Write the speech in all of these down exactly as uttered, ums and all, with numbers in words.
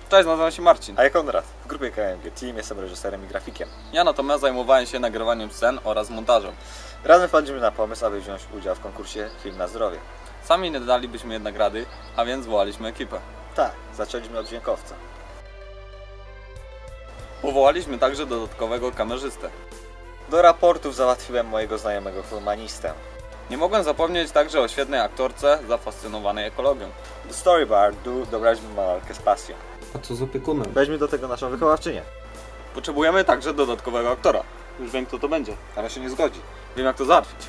Cześć, nazywam się Marcin. A ja Konrad. W grupie K M G Team jestem reżyserem i grafikiem. Ja natomiast zajmowałem się nagrywaniem scen oraz montażem. Razem wpadliśmy na pomysł, aby wziąć udział w konkursie Film na zdrowie. Sami nie dalibyśmy jednak rady, a więc wołaliśmy ekipę. Tak, zaczęliśmy od dźwiękowca. Powołaliśmy także dodatkowego kamerzystę. Do raportów załatwiłem mojego znajomego filmanistę. Nie mogłem zapomnieć także o świetnej aktorce zafascynowanej ekologią. Do storybar dobraliśmy malarkę z pasją. A co z opiekunem? Weźmy do tego naszą wychowawczynię. Potrzebujemy także dodatkowego aktora. Już wiem, kto to będzie. Ale się nie zgodzi. Wiem, jak to załatwić.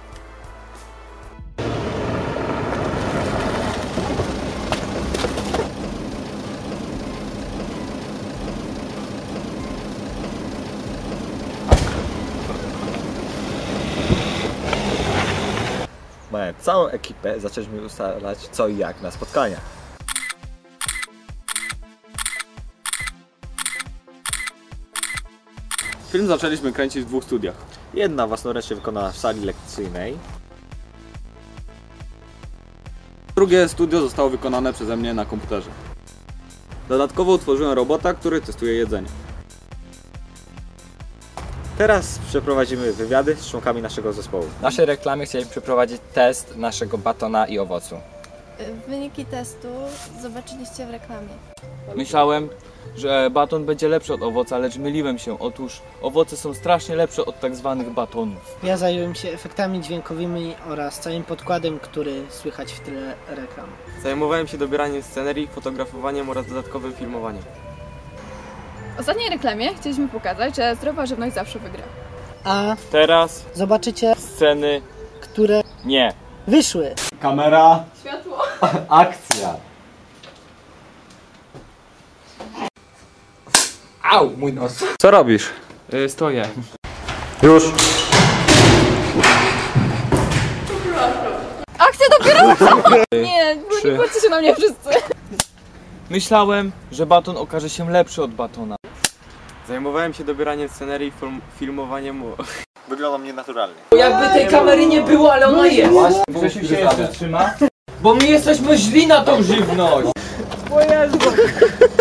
Mając całą ekipę, zaczęliśmy ustalać co i jak na spotkaniach. Film zaczęliśmy kręcić w dwóch studiach. Jedna własnoręcznie wykonana w sali lekcyjnej. Drugie studio zostało wykonane przeze mnie na komputerze. Dodatkowo utworzyłem robota, który testuje jedzenie. Teraz przeprowadzimy wywiady z członkami naszego zespołu. W naszej reklamie chcieliśmy przeprowadzić test naszego batona i owocu. Wyniki testu zobaczyliście w reklamie. Myślałem, że baton będzie lepszy od owoca, lecz myliłem się. Otóż owoce są strasznie lepsze od tak zwanych batonów. Ja zająłem się efektami dźwiękowymi oraz całym podkładem, który słychać w tyle reklam. Zajmowałem się dobieraniem scenerii, fotografowaniem oraz dodatkowym filmowaniem. W ostatniej reklamie chcieliśmy pokazać, że zdrowa żywność zawsze wygra. A Teraz zobaczycie sceny które nie. wyszły. Kamera, Światło. akcja. Au, mój nos. Co robisz? Yy, stoję. Już! Akcja dopiero! Nie, bo nie patrzcie się na mnie wszyscy. Myślałem, że baton okaże się lepszy od batona. Zajmowałem się dobieraniem scenerii, film, filmowaniem... Wyglądam nienaturalnie. Jakby tej kamery nie było, ale ona jest. Grzesiu się jeszcze trzyma? Bo my jesteśmy źli na tą żywność.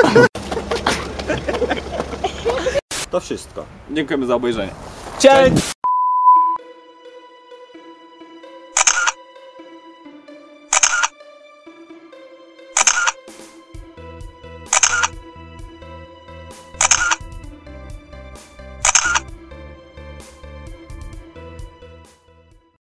To wszystko. Dziękujemy za obejrzenie. Cześć!